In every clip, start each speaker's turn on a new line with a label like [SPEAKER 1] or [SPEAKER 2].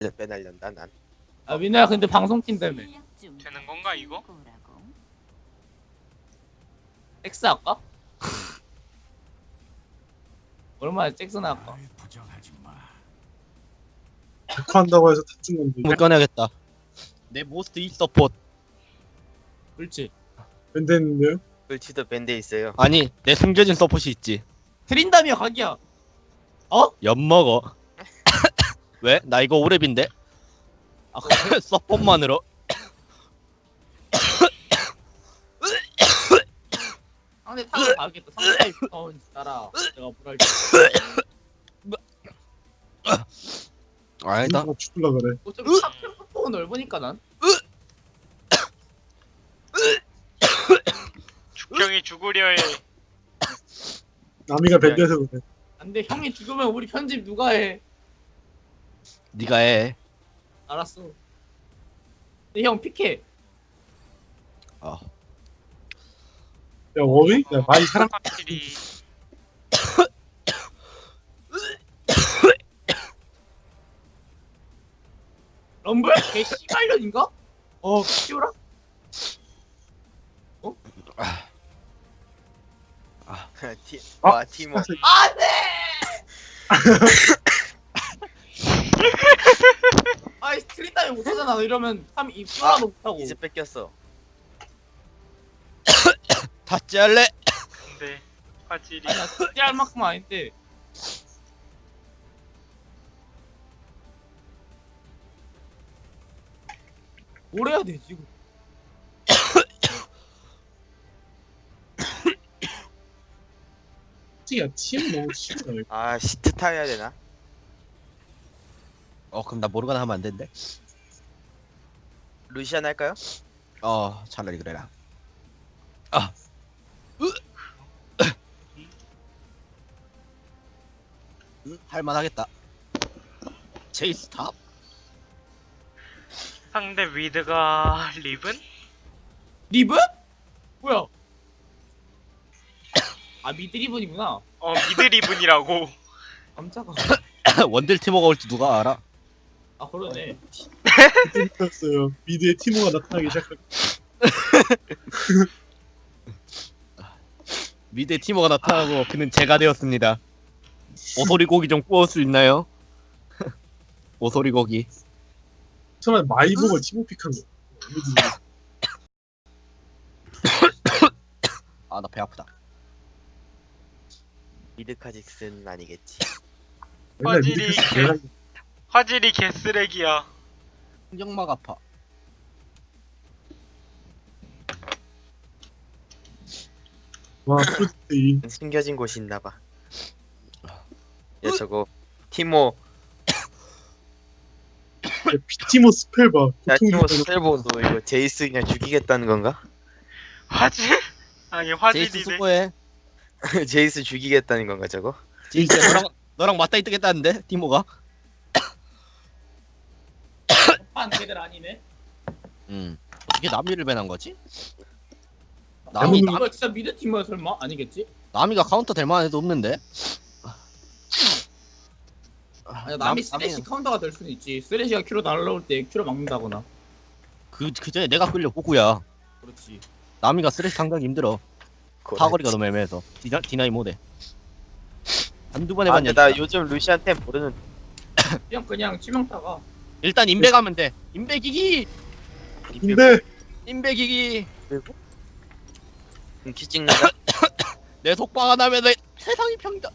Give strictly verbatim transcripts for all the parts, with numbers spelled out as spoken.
[SPEAKER 1] 빼날련다 난.
[SPEAKER 2] 아 민호야 근데 방송팀 때문에
[SPEAKER 3] 되는 건가 이거?
[SPEAKER 2] 잭스 할까? 얼마나 잭스 할까?
[SPEAKER 4] 백화한다고 해서 다친 건데.
[SPEAKER 5] 못 꺼내야겠다. 내 모스트 이 서포트.
[SPEAKER 2] 그렇지.
[SPEAKER 4] 밴드했는데요?
[SPEAKER 1] 불치도 밴드에 있어요.
[SPEAKER 5] 아니 내 숨겨진 서폿이 있지.
[SPEAKER 2] 트린다미어 각이야.
[SPEAKER 5] 엿먹어. 왜? 나 이거 오랩인데?
[SPEAKER 2] 아 그래?
[SPEAKER 5] 서폿만으로.
[SPEAKER 2] 상대 타고 가겠다. 상대 어 따라. 내가 뭐랄
[SPEAKER 5] 아니다.
[SPEAKER 4] 누가 죽을라 그래.
[SPEAKER 2] 어차피 탑평포가 넓으니까 난.
[SPEAKER 3] 죽형이 죽으려 해.
[SPEAKER 4] 남이가 밴드해서 그래.
[SPEAKER 2] 안돼 형이 죽으면 우리 편집 누가 해?
[SPEAKER 5] 네가 해.
[SPEAKER 2] 알았어. 근데 형 픽해.
[SPEAKER 5] 어.
[SPEAKER 4] 야 워위? 야 많이 사랑.
[SPEAKER 3] 확실히
[SPEAKER 2] 럼블? 개 씨발년인가? 어 키우라?
[SPEAKER 1] 티,
[SPEAKER 4] 아,
[SPEAKER 1] 와 티모.
[SPEAKER 2] 안돼! 아이 스트릿 따위 못하잖아. 이러면 삼 입술라도 못하고.
[SPEAKER 1] 이제 뺏겼어.
[SPEAKER 5] 다찌 할래?
[SPEAKER 3] 근데 화질이
[SPEAKER 2] 아니 나 스트릿 할 만큼 아닌데. 뭘 해야 돼 지금?
[SPEAKER 4] 야 팀 너무 싫다. 이거.
[SPEAKER 1] 아 시트 타야 되나?
[SPEAKER 5] 어 그럼 나 모르가나 하면 안 된대.
[SPEAKER 1] 루시안 할까요?
[SPEAKER 5] 어 차라리 그래라. 아. 음, 할만하겠다. 제이스 탑?
[SPEAKER 3] 상대 위드가 리븐?
[SPEAKER 2] 리븐? 뭐야? 아 미드 리븐이구나.
[SPEAKER 3] 어 미드 리븐이라고.
[SPEAKER 2] 깜짝아.
[SPEAKER 5] 원딜 티모가 올지 누가 알아?
[SPEAKER 2] 아 그러네.
[SPEAKER 4] 었어요 미드에 티모가 나타나기 시작할.
[SPEAKER 5] 미드에 티모가 나타나고 그는 제가 되었습니다. 오소리 고기 좀 구울 수 있나요? 오소리 고기.
[SPEAKER 4] 처음에 마이보가 티모 픽한 거. 미드.
[SPEAKER 5] 아 나 배 아프다.
[SPEAKER 1] 미드 카직스는 아니겠지.
[SPEAKER 4] 맨날
[SPEAKER 3] 화질이
[SPEAKER 4] 미드
[SPEAKER 3] 개-
[SPEAKER 4] 내가
[SPEAKER 3] 화질이 개쓰레기야.
[SPEAKER 5] 신경막 아파.
[SPEAKER 4] 와 프로젝트 이
[SPEAKER 1] 숨겨진 곳이 있나봐. 야 저거 티모.
[SPEAKER 4] 비티모 스펠 봐.
[SPEAKER 1] 야 티모
[SPEAKER 4] 고통이
[SPEAKER 1] 스펠보 너 이거 제이스 그냥 죽이겠다는 건가?
[SPEAKER 3] 화질? 아니
[SPEAKER 5] 제이스
[SPEAKER 3] 화질이네.
[SPEAKER 5] 수고해.
[SPEAKER 1] 제이스 죽이겠다는 건가 저거?
[SPEAKER 5] 제이스 너랑 너랑 맞다이 뜨겠다는데 티모가?
[SPEAKER 2] 판 걔들 아니네.
[SPEAKER 5] 음. 이게 남이를 배난 거지?
[SPEAKER 4] 남이-
[SPEAKER 5] 남이 남,
[SPEAKER 2] 이거 진짜 미드 팀이야 설마? 아니겠지?
[SPEAKER 5] 남이가 카운터 될 만한 애도 없는데.
[SPEAKER 2] 아니 남이 쓰레쉬 카운터가 될 수는 있지. 쓰레쉬가 큐로 날라올 때 큐로 막는다거나.
[SPEAKER 5] 그, 그 전에 내가 끌려 호구야.
[SPEAKER 2] 그렇지.
[SPEAKER 5] 남이가 쓰레쉬 상당히 힘들어.
[SPEAKER 1] 그래.
[SPEAKER 5] 사거리가 너무 애매해서. 디나, 디나이 못해. 한두 번
[SPEAKER 1] 아
[SPEAKER 5] 해봤냐?
[SPEAKER 1] 근데 나 요즘 루시안 템 모르는.
[SPEAKER 2] 그냥 그냥 치명타가.
[SPEAKER 5] 일단 인베 가면 돼. 인베 기기!
[SPEAKER 4] 근데
[SPEAKER 5] 인베 기기!
[SPEAKER 1] 키 찍는다.
[SPEAKER 5] 내 속박 안 하면 내 세상이 평다.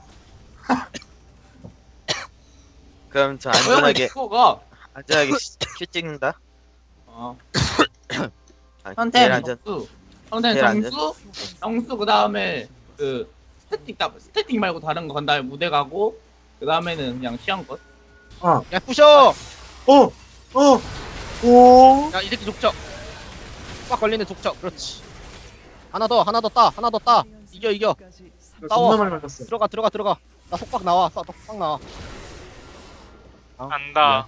[SPEAKER 1] 그럼 저
[SPEAKER 2] 고양이
[SPEAKER 1] 안전하게
[SPEAKER 2] 키워가.
[SPEAKER 1] 안전하게 키 찍는다.
[SPEAKER 2] 어.
[SPEAKER 1] 아, 제일
[SPEAKER 2] 선택
[SPEAKER 1] 안전.
[SPEAKER 2] 정수. 선택
[SPEAKER 1] 제일 안전.
[SPEAKER 2] 정수. 정수 그 다음에 그 스태틱 다 스태틱 말고 다른 거 간 다음에 무대 가고 그 다음에는 그냥 시한 것.
[SPEAKER 5] 야, 부셔!
[SPEAKER 4] 어! 어! 오!
[SPEAKER 5] 야, 이 새끼 족적. 꽉 걸리는 족적. 그렇지. 하나 더, 하나 더 따, 하나 더 따. 이겨, 이겨.
[SPEAKER 4] 나
[SPEAKER 5] 싸워.
[SPEAKER 4] 존나 많이 맞았어.
[SPEAKER 5] 들어가, 들어가, 들어가. 나 속박 나와. 나 속박 나와. 아,
[SPEAKER 3] 안다.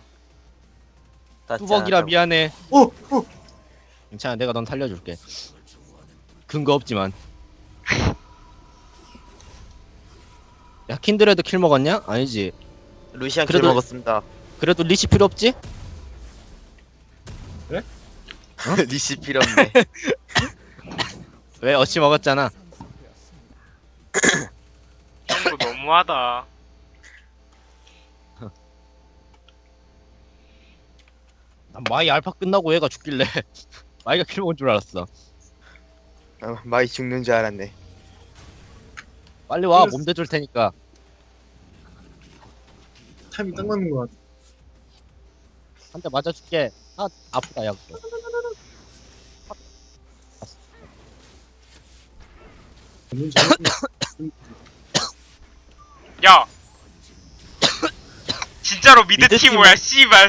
[SPEAKER 5] 뚜벅이라 미안해.
[SPEAKER 4] 어! 어!
[SPEAKER 5] 괜찮아, 내가 넌 살려줄게. 근거 없지만. 야, 킨드레드 킬 먹었냐? 아니지.
[SPEAKER 1] 루시안 킬
[SPEAKER 5] 그래도-
[SPEAKER 1] 먹었습니다.
[SPEAKER 5] 그래도 리시 필요 없지?
[SPEAKER 1] 리시 필요 없네.
[SPEAKER 5] 왜 어찌 먹었잖아.
[SPEAKER 3] 형도 너무하다.
[SPEAKER 5] 난 마이 알파 끝나고 얘가 죽길래 마이가 킬 먹은 줄 알았어.
[SPEAKER 1] 어, 마이 죽는 줄 알았네.
[SPEAKER 5] 빨리 와,
[SPEAKER 4] 그래서-
[SPEAKER 5] 몸 대줄 테니까.
[SPEAKER 4] 타이밍 딱 맞는 것 같아.
[SPEAKER 5] 한 대 맞아줄게. 아, 아프다, 야. 그거.
[SPEAKER 4] 너무 잘했네.
[SPEAKER 3] 야! 진짜로 미드
[SPEAKER 1] 미드
[SPEAKER 3] 티모야, 씨발.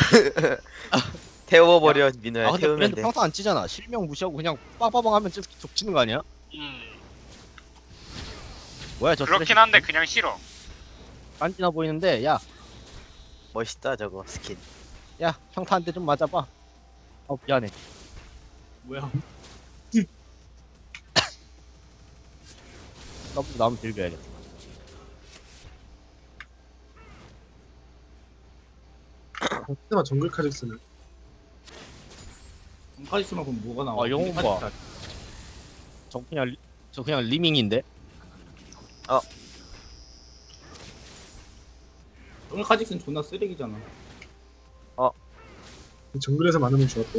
[SPEAKER 1] 태워버려 민호야.
[SPEAKER 5] 아, 근데
[SPEAKER 1] 태우면
[SPEAKER 5] 브랜드
[SPEAKER 1] 돼.
[SPEAKER 5] 평타 안 치잖아. 실명 무시하고 그냥 빵빵빵 하면 좀 족치는 거 아니야?
[SPEAKER 3] 음,
[SPEAKER 5] 뭐야, 저
[SPEAKER 3] 그렇긴 한데 그냥 싫어.
[SPEAKER 5] 깐지나 보이는데, 야,
[SPEAKER 1] 멋있다 저거 스킨.
[SPEAKER 5] 야, 평타 한 대 좀 맞아봐. 어, 미안해.
[SPEAKER 2] 뭐야?
[SPEAKER 5] 너무 나오면 들겨야겠다.
[SPEAKER 4] 그때만 정글 카직스는
[SPEAKER 2] 카리스마 그럼 뭐가 나와?
[SPEAKER 5] 아, 영웅 봐. 저 그냥, 리- 저 그냥 리밍인데?
[SPEAKER 2] 오늘 카직스는 존나 쓰레기잖아.
[SPEAKER 4] 정글에서 많으면 좋았대.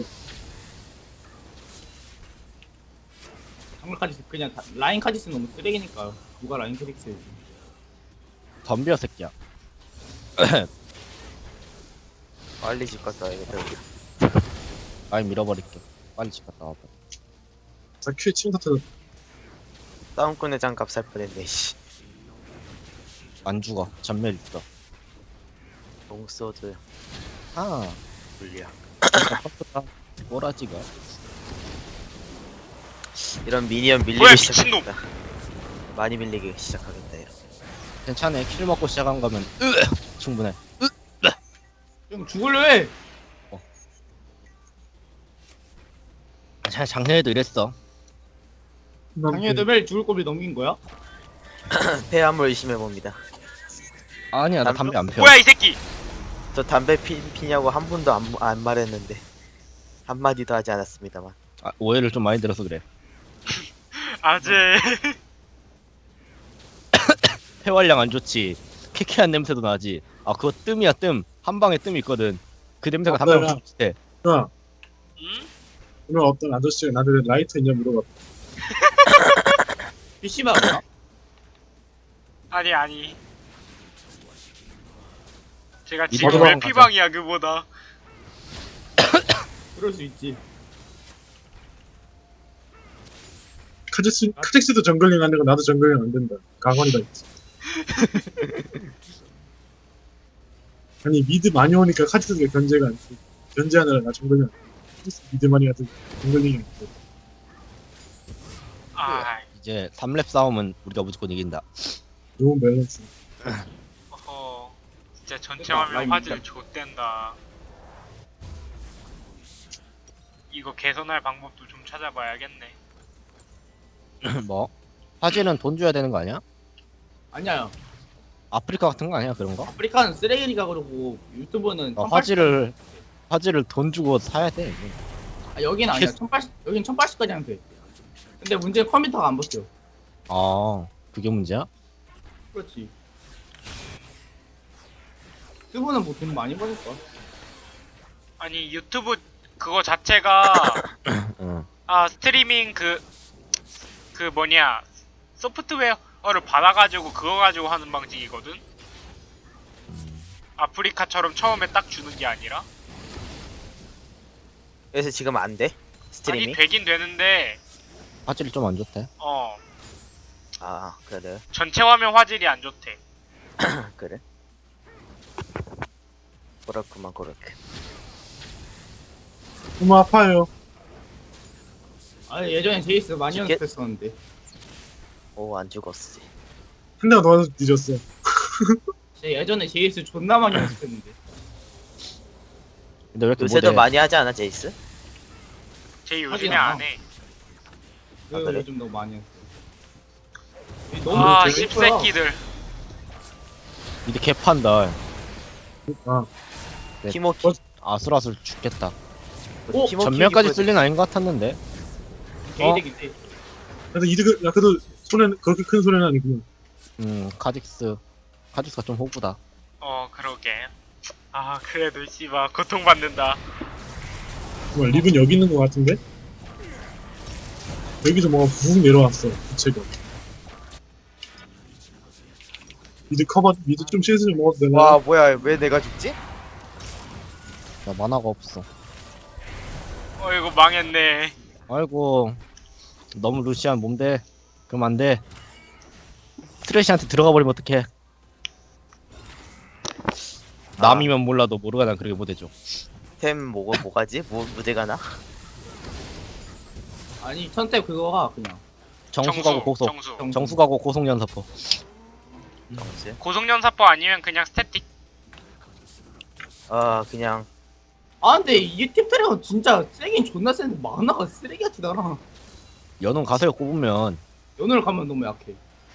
[SPEAKER 2] 정글 카직스 그냥 다, 라인 카직스 너무 쓰레기니까 누가 라인 카직스 해야지.
[SPEAKER 5] 덤벼, 새끼야.
[SPEAKER 1] 빨리 집 갔다 와야겠다.
[SPEAKER 5] 라인 밀어버릴게. 빨리 집 갔다 와봐.
[SPEAKER 4] 자, 큐에 치명 터뜨려.
[SPEAKER 1] 싸움꾼의 장갑 살 뻔했네. 씨.
[SPEAKER 5] 안 죽어. 전멸 있어.
[SPEAKER 1] 롱소드
[SPEAKER 5] 아,
[SPEAKER 1] 불리야.
[SPEAKER 5] 컴퓨터 꼬라지가.
[SPEAKER 1] 이런 미니언 밀리기
[SPEAKER 3] 뭐야, 미친놈.
[SPEAKER 1] 시작하겠다. 많이 밀리기 시작하겠다. 이런.
[SPEAKER 5] 괜찮아. 킬 먹고 시작한 거면 으, 충분해.
[SPEAKER 2] 형 죽을래 왜?
[SPEAKER 5] 자, 작년에도 이랬어.
[SPEAKER 2] 당연히 멜 죽을 거비 넘긴 거야?
[SPEAKER 1] 폐암을 의심해 봅니다.
[SPEAKER 5] 아니야, 나
[SPEAKER 1] 남-
[SPEAKER 5] 담배 안 펴.
[SPEAKER 3] 뭐야, 이 새끼!
[SPEAKER 1] 저 담배 피, 피냐고 한 번도 안, 안 말했는데 한 마디도 하지 않았습니다만.
[SPEAKER 5] 아, 오해를 좀 많이 들어서 그래.
[SPEAKER 3] 아재.
[SPEAKER 5] 폐활량 안 좋지. 캐캐한 냄새도 나지. 아, 그거 뜸이야, 뜸. 한 방에 뜸이 있거든. 그 냄새가
[SPEAKER 4] 아,
[SPEAKER 5] 담배랑
[SPEAKER 4] 뭐야.
[SPEAKER 5] 좀 비슷해.
[SPEAKER 4] 야,
[SPEAKER 3] 응?
[SPEAKER 4] 오늘 어떤 아저씨가 나한테 라이터 있냐 물어봤다.
[SPEAKER 2] 피씨방 뭐야?
[SPEAKER 3] 아니, 아니. 제가
[SPEAKER 5] 이
[SPEAKER 3] 지금
[SPEAKER 5] 바로
[SPEAKER 3] 왜
[SPEAKER 5] 가자.
[SPEAKER 3] 피방이야, 그보다.
[SPEAKER 2] 그럴 수 있지.
[SPEAKER 4] 카직스, 카직스도 정글링 안 되고 나도 정글링 안 된다. 강원이다. 있지. 아니 미드 많이 오니까 카직스가 견제가 안 돼. 견제하느라 나 정글링 안 돼. 카직스 미드 많이 가도 정글링이 안 돼.
[SPEAKER 3] 아,
[SPEAKER 5] 이제 삼 렙 싸움은 우리가 무조건 이긴다.
[SPEAKER 4] 너무 밸런스.
[SPEAKER 3] 어허. 진짜 전체
[SPEAKER 2] 그러니까,
[SPEAKER 3] 화면
[SPEAKER 2] 라인
[SPEAKER 3] 화질
[SPEAKER 2] 밑에.
[SPEAKER 3] 좆된다. 이거 개선할 방법도 좀 찾아봐야겠네.
[SPEAKER 5] 뭐? 화질은 돈 줘야 되는 거 아니야?
[SPEAKER 2] 아니야.
[SPEAKER 5] 아프리카 같은 거 아니야, 그런 거?
[SPEAKER 2] 아프리카는 쓰레기니까 그러고 유튜브는
[SPEAKER 5] 어,
[SPEAKER 2] 천팔십
[SPEAKER 5] 화질을 화질을 돈 주고 사야 돼.
[SPEAKER 2] 아, 여긴 아니야.
[SPEAKER 5] 캐스-
[SPEAKER 2] 천팔십 여긴 천팔십까지 하면 돼. 근데 문제는 컴퓨터가 안 버텨.
[SPEAKER 5] 아, 그게 문제야?
[SPEAKER 2] 그렇지. 유튜브는 뭐 돈 많이 버을 거야.
[SPEAKER 3] 아니, 유튜브 그거 자체가,
[SPEAKER 5] 응.
[SPEAKER 3] 아, 스트리밍 그, 그 뭐냐, 소프트웨어를 받아가지고 그거 가지고 하는 방식이거든? 아프리카처럼 처음에 딱 주는 게 아니라?
[SPEAKER 1] 그래서 지금 안 돼?
[SPEAKER 3] 아니,
[SPEAKER 1] 스트리밍?
[SPEAKER 3] 되긴 되는데,
[SPEAKER 5] 화질이 좀 안 좋대.
[SPEAKER 3] 어,
[SPEAKER 1] 아 그래.
[SPEAKER 3] 전체 화면 화질이 안 좋대.
[SPEAKER 1] 그래. 그렇구만 그렇게.
[SPEAKER 4] 너무 아파요.
[SPEAKER 2] 아 예전에 제이스 많이
[SPEAKER 1] 죽겠-
[SPEAKER 2] 연습했었는데.
[SPEAKER 1] 오 안 죽었지.
[SPEAKER 4] 한 대가 너한테 뒤졌어.
[SPEAKER 2] 제 예전에 제이스 존나 많이 연습했는데.
[SPEAKER 5] 근데 왜 이렇게
[SPEAKER 1] 요새도
[SPEAKER 5] 못해?
[SPEAKER 1] 많이 하지 않아 제이스?
[SPEAKER 3] 제 요즘에
[SPEAKER 2] 하진 않아.
[SPEAKER 3] 안 해.
[SPEAKER 2] 그
[SPEAKER 1] 아, 그래?
[SPEAKER 2] 요즘 너무 많이 했어. 너무
[SPEAKER 3] 아,
[SPEAKER 2] 재밌더라.
[SPEAKER 3] 씹새끼들.
[SPEAKER 5] 이제 개판다.
[SPEAKER 4] 아,
[SPEAKER 5] 네.
[SPEAKER 1] 티모키
[SPEAKER 5] 아슬아슬 죽겠다.
[SPEAKER 2] 오,
[SPEAKER 1] 티모키
[SPEAKER 5] 전면까지
[SPEAKER 1] 이쁘네.
[SPEAKER 5] 쓸 일은 아닌 것 같았는데.
[SPEAKER 2] 개이득인데.
[SPEAKER 4] 그래도 이득, 야, 그래도 손해는, 그렇게 큰 손해는 아니구나.
[SPEAKER 5] 음 카직스 카직스가 좀 호구다.
[SPEAKER 3] 어 그러게. 아 그래도 씨발 고통받는다.
[SPEAKER 4] 정말 립은 여기 있는 것 같은데? 여기서 뭐가 훅 내려왔어, 부채가. 미드 커버, 미드 좀 실수 좀 먹어도 되나?
[SPEAKER 1] 와 뭐야 왜 내가 죽지?
[SPEAKER 5] 나 만화가 없어.
[SPEAKER 3] 어 이거 망했네.
[SPEAKER 5] 아이고 너무 루시안 몸대. 그럼 안 돼. 트래시한테 들어가 버리면 어떡해. 남이면 몰라도 모르가 난 그렇게 못해줘.
[SPEAKER 1] 템 뭐가 뭐가지? 뭐 무대가 나?
[SPEAKER 2] 아니 천태 그거가 그냥.
[SPEAKER 5] 정수가고 고속.
[SPEAKER 3] 정수.
[SPEAKER 2] 정-
[SPEAKER 5] 정수가고 고속연사포.
[SPEAKER 1] 정수.
[SPEAKER 3] 고속연사포 아니면 그냥 스태틱.
[SPEAKER 1] 아 그냥
[SPEAKER 2] 아 근데 이 팀트랙은 진짜 세긴 존나 센데 만화가 쓰레기같이 달아.
[SPEAKER 5] 연운 가세요 꼽으면
[SPEAKER 2] 연을 가면 너무 약해.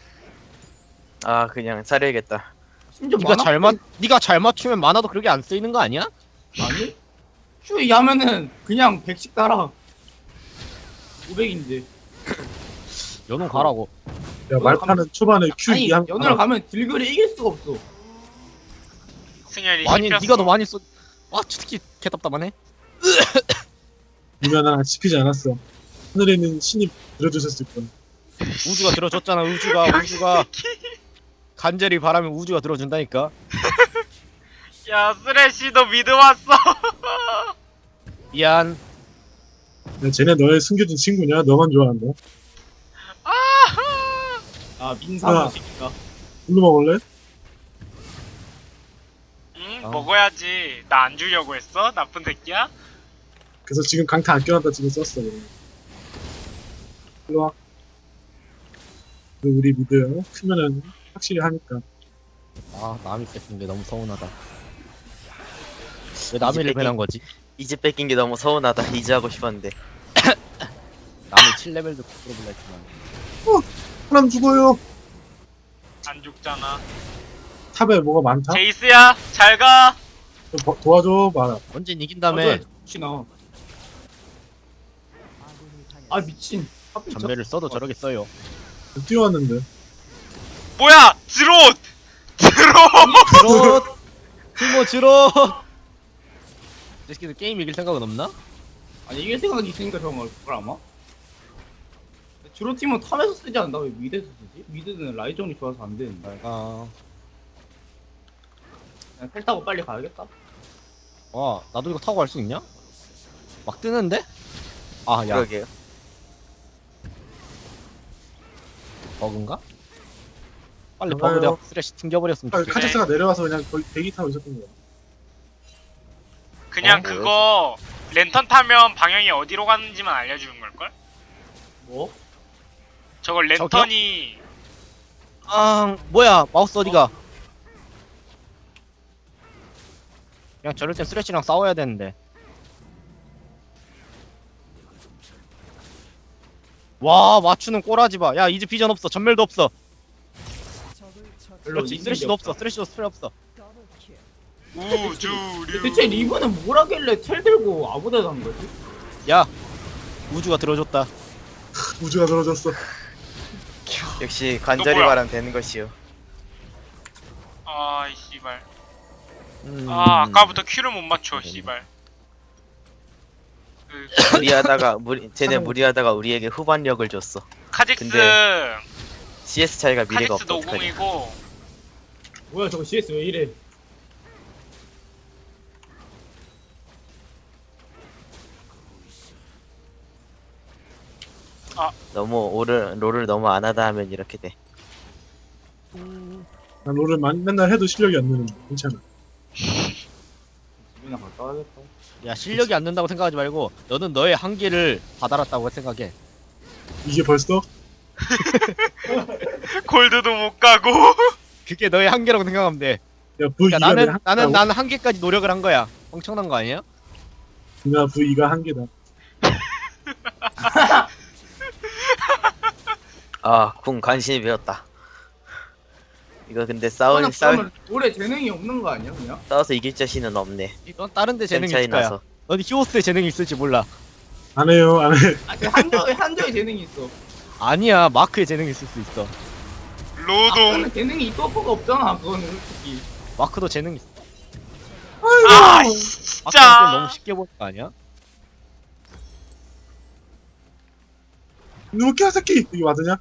[SPEAKER 1] 아 그냥 사려야겠다.
[SPEAKER 2] 심지어
[SPEAKER 5] 네가
[SPEAKER 2] 만화
[SPEAKER 5] 잘 맞, 네가 잘 맞추면 만화도 그렇게 안 쓰이는 거 아니야?
[SPEAKER 2] 아니? 슈이 하면은 그냥 백씩 달아. 오백인데.
[SPEAKER 5] 연운 가라고.
[SPEAKER 4] 야, 말파는 초반에 Q
[SPEAKER 2] 아니
[SPEAKER 4] 이 한,
[SPEAKER 2] 연을 가면 딜글이 이길 수가 없어.
[SPEAKER 3] 승현이
[SPEAKER 5] 많이
[SPEAKER 3] 씹혔어.
[SPEAKER 5] 네가 더 많이 쏘. 아, 저 새끼 개답답하네.
[SPEAKER 4] 이면 난 씹히지 않았어. 하늘에 있는 신이 들어주셨을 거야.
[SPEAKER 5] 우주가 들어줬잖아. 우주가 우주가 간절히 바라면 우주가 들어준다니까.
[SPEAKER 3] 야 쓰레쉬도 미드 왔어.
[SPEAKER 5] 미안.
[SPEAKER 4] 야, 쟤네 너의 숨겨진 친구냐? 너만 좋아한다.
[SPEAKER 2] 아 민사마
[SPEAKER 4] 아.
[SPEAKER 2] 새끼가.
[SPEAKER 4] 물로 먹을래?
[SPEAKER 3] 응
[SPEAKER 5] 아.
[SPEAKER 3] 먹어야지. 나 안 주려고 했어? 나쁜 새끼야?
[SPEAKER 4] 그래서 지금 강타 안 껴놨다 지금 썼어. 그냥. 일로 와. 그 우리 미드 크면은 확실히 하니까.
[SPEAKER 5] 아, 남이 뺐는데 너무 서운하다. 왜 남이 레벨한 거지?
[SPEAKER 1] 이제 뺏긴 게 너무 서운하다. 이제 하고 싶었는데.
[SPEAKER 5] 남이 칠 레벨도 끌어볼라 했지만.
[SPEAKER 4] 사람 죽어요.
[SPEAKER 3] 안 죽잖아.
[SPEAKER 4] 탑에 뭐가 많다?
[SPEAKER 3] 제이스야 잘 가.
[SPEAKER 4] 좀 버- 도와줘 봐라.
[SPEAKER 5] 언젠 이긴 다음에
[SPEAKER 2] 미친아. 아 미친. 하필 저-
[SPEAKER 5] 전멸을 써도 저렇게 써요.
[SPEAKER 4] 뛰어왔는데.
[SPEAKER 3] 뭐야 드롯. 드롯.
[SPEAKER 5] 드롯! 티모 드롯! 이 새끼들 게임 이길 생각은 없나?
[SPEAKER 2] 아니 이길 생각이 있으니까 저런 걸 그걸 아마? 주로 팀은 탑에서 쓰지 않나 왜 미드에서 쓰지? 미드는 라이정이 좋아서 안 되는데.
[SPEAKER 5] 아,
[SPEAKER 2] 그냥 텔 타고 빨리 가야겠다.
[SPEAKER 5] 와, 나도 이거 타고 갈 수 있냐? 막 뜨는데? 아, 야,
[SPEAKER 1] 그러게요.
[SPEAKER 5] 버그인가? 빨리
[SPEAKER 4] 좋아요.
[SPEAKER 5] 버그 내가 쓰레쉬 튕겨버렸으면
[SPEAKER 4] 아,
[SPEAKER 5] 좋겠어.
[SPEAKER 4] 카자스가 내려와서 그냥 거의 대기 타고 있었던 거야.
[SPEAKER 3] 그냥
[SPEAKER 1] 어,
[SPEAKER 3] 그거 랜턴 타면 방향이 어디로 가는지만 알려주는 걸걸?
[SPEAKER 2] 뭐?
[SPEAKER 3] 저걸 랜턴이
[SPEAKER 5] 아, 뭐야, 마우스 어디가? 그냥 저럴 땐 쓰레쉬랑 싸워야 되는데. 와, 맞추는 꼬라지 봐. 야, 이제 비전 없어. 전멸도 없어.
[SPEAKER 2] 별로
[SPEAKER 5] 그렇지,
[SPEAKER 2] 있는
[SPEAKER 5] 쓰레쉬도
[SPEAKER 2] 게
[SPEAKER 5] 없어. 쓰레쉬도 스프레 없어.
[SPEAKER 3] 우주류.
[SPEAKER 2] 대체 리브는 뭘 하길래 텔 들고 아무데나 한 거지?
[SPEAKER 5] 야, 우주가 들어줬다.
[SPEAKER 4] 우주가 들어졌어.
[SPEAKER 1] 역시 관절이
[SPEAKER 3] 뭐야?
[SPEAKER 1] 바람 되는 것이요.
[SPEAKER 3] 아이 씨발.
[SPEAKER 5] 음...
[SPEAKER 3] 아 아까부터 큐를 못 맞춰 씨발. 그
[SPEAKER 1] 무리하다가 무리 쟤네 무리하다가 우리에게 후반력을 줬어.
[SPEAKER 3] 카직스
[SPEAKER 1] 근데 씨에스 차이가 미래가
[SPEAKER 3] 카직스
[SPEAKER 1] 없어. 어떡하냐.
[SPEAKER 3] 노공이고
[SPEAKER 2] 뭐야 저거 씨에스 왜 이래?
[SPEAKER 1] 너무 오를 롤을 너무 안 하다 하면 이렇게 돼.
[SPEAKER 4] 난 롤을 만- 맨날 해도 실력이 안 느는데 괜찮아.
[SPEAKER 2] 집이나 갔다 와야겠다.
[SPEAKER 5] 야, 실력이 안 된다고 생각하지 말고 너는 너의 한계를 다다랐다고 생각해.
[SPEAKER 4] 이게 벌써?
[SPEAKER 3] 골드도 못 가고.
[SPEAKER 5] 그게 너의 한계라고 생각하면 돼.
[SPEAKER 4] 야 V
[SPEAKER 5] 그러니까
[SPEAKER 4] 이가
[SPEAKER 5] 나는 나는 나는 한계까지 노력을 한 거야. 엄청난 거 아니야?
[SPEAKER 4] 나 V 이가 한계다.
[SPEAKER 1] 아, 궁 간신히 배웠다. 이거 근데 싸울
[SPEAKER 2] 그냥
[SPEAKER 1] 싸울
[SPEAKER 2] 그러면 올해 재능이 없는 거 아니야 그냥?
[SPEAKER 1] 싸워서 이길 자신은 없네.
[SPEAKER 5] 넌 다른 데
[SPEAKER 1] 템
[SPEAKER 5] 재능이
[SPEAKER 1] 차이
[SPEAKER 5] 있을 거야.
[SPEAKER 1] 나서.
[SPEAKER 5] 넌 히오스에 재능이 있을지 몰라.
[SPEAKER 4] 안 해요, 안 해.
[SPEAKER 2] 아, 그 한조에 한조에 재능이 있어.
[SPEAKER 5] 아니야, 마크에 재능이 있을 수 있어.
[SPEAKER 3] 로동.
[SPEAKER 2] 아까는 재능이 있을 거가 없잖아. 그거는 솔직히.
[SPEAKER 5] 마크도 재능 있어.
[SPEAKER 3] 아
[SPEAKER 5] 마크는
[SPEAKER 3] 진짜.
[SPEAKER 5] 너무 쉽게 보는 거 아니야?
[SPEAKER 4] 누구 키와사키 이게 맞으냐?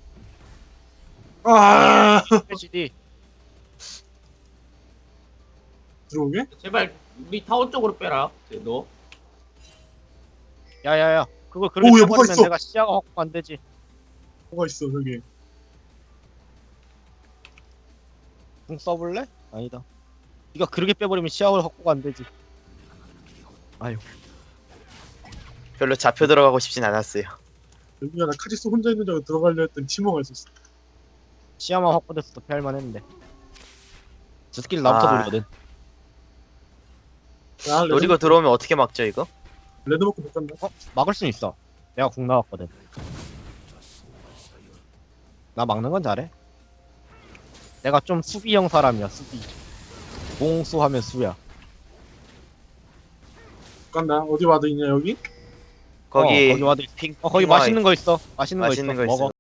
[SPEAKER 4] 아
[SPEAKER 5] 해지디.
[SPEAKER 4] 들어오게?
[SPEAKER 2] 제발 우리 타워 쪽으로 빼라. 너.
[SPEAKER 5] 야야야. 그걸 그렇게
[SPEAKER 4] 오, 야, 뭐가
[SPEAKER 5] 쳐버리면
[SPEAKER 4] 있어.
[SPEAKER 5] 내가 시야가 확보 안 되지.
[SPEAKER 4] 뭐가 있어 저기.
[SPEAKER 5] 궁 써볼래? 아니다. 네가 그렇게 빼버리면 시야가 확보가 안 되지. 아유.
[SPEAKER 1] 별로 잡혀 들어가고 싶진 않았어요.
[SPEAKER 4] 여기가 나 카지스 혼자 있는 줄 알고 들어가려 했더니 팀워가 있었어.
[SPEAKER 5] 시야만 확보됐어도 피할만 했는데. 저 스킬 나부터
[SPEAKER 1] 아.
[SPEAKER 5] 돌거든.
[SPEAKER 4] 야, 레드,
[SPEAKER 1] 노리고 들어오면 어떻게 막죠 이거?
[SPEAKER 4] 레드 먹고 못 간다.
[SPEAKER 5] 어? 막을 순 있어. 내가 궁 나왔거든. 나 막는 건 잘해. 내가 좀 수비형 사람이야, 수비. 공수 하면 수야.
[SPEAKER 4] 못 간다. 어디 와도 있냐 여기?
[SPEAKER 1] 거기
[SPEAKER 5] 어, 거기 와도 있-
[SPEAKER 1] 핑
[SPEAKER 5] 어, 거기
[SPEAKER 1] 핑화에
[SPEAKER 5] 맛있는 거 있어. 맛있는,
[SPEAKER 1] 맛있는
[SPEAKER 5] 거
[SPEAKER 1] 거
[SPEAKER 5] 있어.
[SPEAKER 1] 있어.
[SPEAKER 5] 먹어.